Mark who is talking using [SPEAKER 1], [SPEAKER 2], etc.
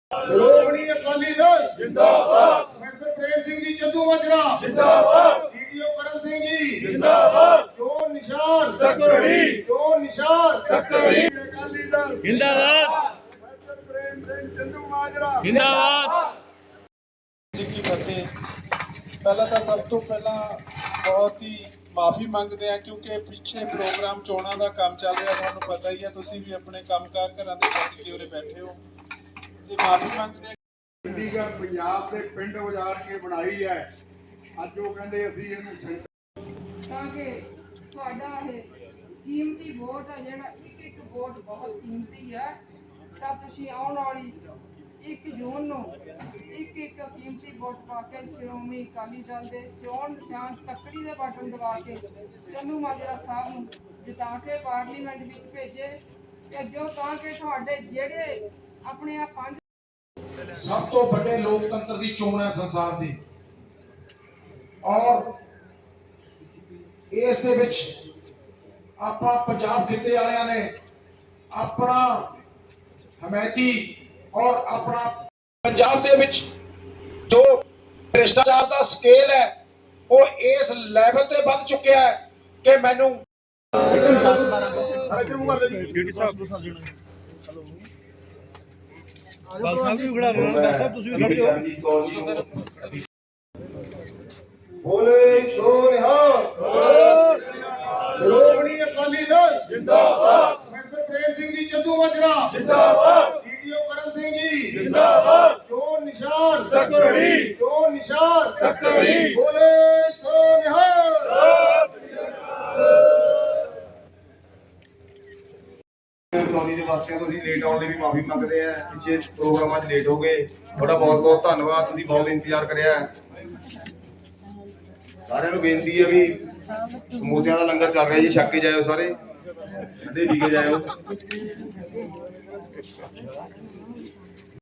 [SPEAKER 1] ਸ਼੍ਰੋਮਣੀ ਅਕਾਲੀ ਦਲ ਜਿੰਦਾਬਾਦ। ਪ੍ਰੋਫੈਸਰ ਪ੍ਰੇਮ ਸਿੰਘ ਜੀ ਚੰਦੂਮਾਜਰਾ ਜਿੰਦਾਬਾਦ। ਵੀਡੀਓ ਕਰਨ ਸਿੰਘ ਜੀ ਜਿੰਦਾਬਾਦ। ਚੋਣ ਨਿਸ਼ਾਨ ਤੱਕੜੀ, ਚੋਣ ਨਿਸ਼ਾਨ ਤੱਕੜੀ। ਅਕਾਲੀ ਦਲ
[SPEAKER 2] ਜਿੰਦਾਬਾਦ।
[SPEAKER 1] ਪ੍ਰੋਫੈਸਰ ਪ੍ਰੇਮ ਸਿੰਘ ਚੰਦੂਮਾਜਰਾ
[SPEAKER 2] ਜਿੰਦਾਬਾਦ।
[SPEAKER 3] ਜੀ ਕੀ ਫਤਿਹ। ਪਹਿਲਾਂ ਤਾਂ ਸਭ ਤੋਂ ਪਹਿਲਾਂ ਬਹੁਤ ਹੀ ਮਾਫੀ ਮੰਗਦੇ ਆ ਕਿਉਂਕਿ ਪਿੱਛੇ ਪ੍ਰੋਗਰਾਮ ਚੋਣਾਂ ਦਾ ਕੰਮ ਚੱਲ ਰਿਹਾ, ਤੁਹਾਨੂੰ ਪਤਾ ਹੀ ਆ, ਤੁਸੀਂ ਵੀ ਆਪਣੇ ਕੰਮਕਾਰ ਘਰਾਂ ਦੇ ਛੱਡ ਕੇ ਉਰੇ ਬੈਠੇ ਹੋ ਤੇ ਮਾਫੀ ਮੰਗਦੇ ਆ।
[SPEAKER 1] ਚੰਡੀਗੜ੍ਹ ਪੰਜਾਬ ਦੇ ਪਿੰਡ ਉਜਾੜ ਕੇ ਬਣਾਈ ਹੈ। ਅੱਜ ਉਹ ਕਹਿੰਦੇ ਅਸੀਂ ਇਹਨੂੰ
[SPEAKER 4] ਤਾਂ ਕਿ ਤੁਹਾਡਾ ਇਹ ਕੀਮਤੀ ਵੋਟ ਹੈ, ਜਿਹੜਾ ਇੱਕ ਇੱਕ ਵੋਟ ਬਹੁਤ ਕੀਮਤੀ ਹੈ, ਤਾਂ ਤੁਸੀਂ ਆਉਣ ਵਾਲੀ 1 ਜੂਨ ਨੂੰ ਇੱਕ ਇੱਕ ਕੀਮਤੀ ਵੋਟ ਪਾ ਕੇ ਸ਼੍ਰੋਮਣੀ ਅਕਾਲੀ ਦਲ ਦੇ ਚੋਣ ਨਿਸ਼ਾਨ ਤੱਕੜੀ ਦੇ ਬਟਨ ਦਬਾ ਕੇ ਚੰਦੂਮਾਜਰਾ ਸਾਹਿਬ ਨੂੰ ਜਿਤਾ ਕੇ ਪਾਰਲੀਮੈਂਟ ਵਿੱਚ ਭੇਜੋ ਤਾਂ ਕਿ ਤੁਹਾਡੇ ਜਿਹੜੇ ਆਪਣੇ ਆ 5
[SPEAKER 5] ਸਭ ਤੋਂ ਵੱਡੇ ਲੋਕਤੰਤਰ ਦੀ ਚੋਣ ਹੈ ਸੰਸਾਰ ਦੀ, ਔਰ ਇਸ ਦੇ ਵਿੱਚ ਆਪਾਂ ਪੰਜਾਬ ਖਿੱਤੇ ਵਾਲਿਆਂ ਨੇ ਆਪਣਾ ਹਮਾਇਤੀ ਔਰ ਆਪਣਾ ਪੰਜਾਬ ਦੇ ਵਿੱਚ ਜੋ ਭ੍ਰਿਸ਼ਟਾਚਾਰ ਦਾ ਸਕੇਲ ਹੈ ਉਹ ਇਸ ਲੈਵਲ ਤੇ ਵੱਧ ਚੁੱਕਿਆ ਹੈ ਕਿ ਮੈਨੂੰ
[SPEAKER 1] ਬੋਲੇ ਸੋ ਨਿਹਾਲ। ਸ਼੍ਰੋਮਣੀ ਅਕਾਲੀ ਦਲ ਜਿੰਦਾਬਾਦ। ਪ੍ਰੋਫੈਸਰ ਪ੍ਰੇਮ ਸਿੰਘ ਜੀ ਚੰਦੂਮਾਜਰਾ ਜਿੰਦਾਬਾਦ। ਵੀਡੀਓ ਕਰਨ ਸਿੰਘ ਜੀ ਜਿੰਦਾਬਾਦ। ਚੋਣ ਨਿਸ਼ਾਨ ਤੱਕੜੀ, ਚੋਣ ਨਿਸ਼ਾਨ ਤੱਕੜੀ। ਬੋਲੇ ਸੋ ਨਿਹਾਲ। ਕਲੋਨੀ ਦੇ ਵਾਸੀਆਂ ਤੋਂ ਅਸੀਂ ਲੇਟ ਆਉਣ ਲਈ ਵੀ ਮਾਫੀ ਮੰਗਦੇ ਆ। ਪਿੱਛੇ ਪ੍ਰੋਗਰਾਮਾਂ 'ਚ ਲੇਟ ਹੋ ਗਏ, ਤੁਹਾਡਾ ਬਹੁਤ ਬਹੁਤ ਧੰਨਵਾਦ, ਤੁਸੀਂ ਬਹੁਤ ਇੰਤਜ਼ਾਰ ਕਰਿਆ। ਸਾਰਿਆਂ ਨੂੰ ਬੇਨਤੀ ਹੈ ਵੀ ਸਮੋਸਿਆਂ ਦਾ ਲੰਗਰ ਚੱਲ ਰਿਹਾ ਜੀ, ਛੱਕ ਕੇ ਜਾਇਓ ਸਾਰੇ, ਠੰਡੇ ਪੀ ਕੇ ਜਾਇਓ।